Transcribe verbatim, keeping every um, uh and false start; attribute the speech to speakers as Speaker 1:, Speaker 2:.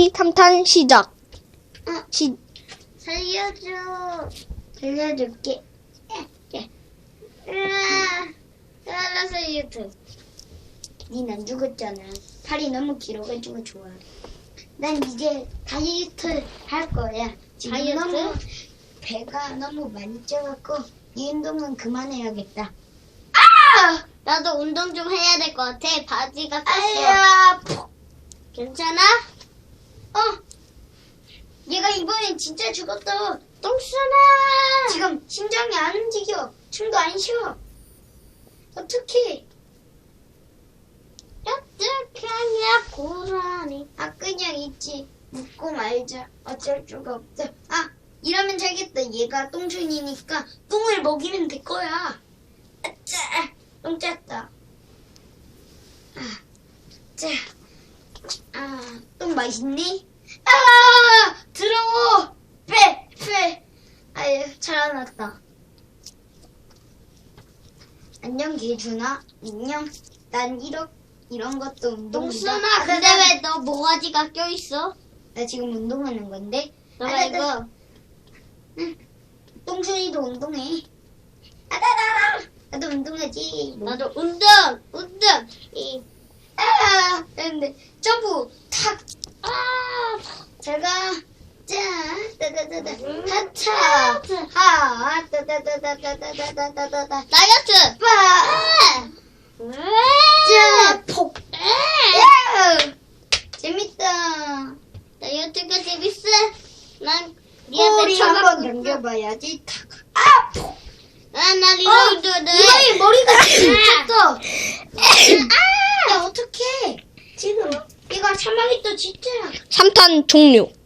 Speaker 1: 몽키 삼 탄 시작.
Speaker 2: 어,
Speaker 1: 시,
Speaker 2: 살려줘. 살려줄게. 예, 예. 으아, 으아, 살려줘. 닌 안 죽었잖아. 팔이 너무 길어가지고 좋아. 난 이제 다이어트 할 거야. 지금
Speaker 3: 다이어트?
Speaker 2: 너무 배가 너무 많이 쪄갖고 이 운동은 그만해야겠다.
Speaker 3: 나도 운동 좀 해야 될 것 같아. 바지가 꼈어.
Speaker 2: 아야, 푹.
Speaker 3: 괜찮아?
Speaker 2: 어. 얘가 이번엔 진짜 죽었어.
Speaker 3: 똥싸나.
Speaker 2: 지금 심장이 안 움직여. 춤도 안 쉬어. 어떡해.
Speaker 3: 어떻게 하냐 고라니.
Speaker 2: 아, 그냥 있지. 묻고 말자. 어쩔 수가 없어. 아, 이러면 되겠다. 얘가 똥순이니까 똥을 먹이면 될 거야. 아짜, 똥 짰다. 아, 자, 아, 똥 맛있니? 아, 더러워. 빼, 빼. 아유, 살아났다. 안녕, 개준아. 안녕. 난 이런 이런 것도 운동이다.
Speaker 3: 똥싸나.
Speaker 2: 아,
Speaker 3: 근데
Speaker 2: 나-
Speaker 3: 왜 너 모가지가 껴있어?
Speaker 2: 나 지금 운동하는 건데.
Speaker 3: 너가
Speaker 2: 아, 나-
Speaker 3: 이거
Speaker 2: 응. 똥순이도 운동해. 아다다다. 나도 운동하지.
Speaker 3: 나도 운동 운동. 이
Speaker 2: 아, 근데 점프 탁.
Speaker 3: 아.
Speaker 2: 잘 가. 자, 따다다다. 하차. 하. 따다다다다다다다다다다.
Speaker 3: 다이어트.
Speaker 2: 빠.
Speaker 3: 왜?
Speaker 2: 자, 폭. 야! 재밌다.
Speaker 3: 다이어트가 재밌어? 난 니한테
Speaker 2: 꼬리 한번
Speaker 3: 쳐갖고
Speaker 2: 넘겨봐야지. 탁. 아, 폭.
Speaker 3: 아나
Speaker 2: 어,
Speaker 3: 리로드네.
Speaker 2: 이거의 머리가 미쳤어.
Speaker 3: 아!
Speaker 2: 야, 어떡해. 지금 얘가 사망했다 진짜.
Speaker 1: 삼 탄 종료.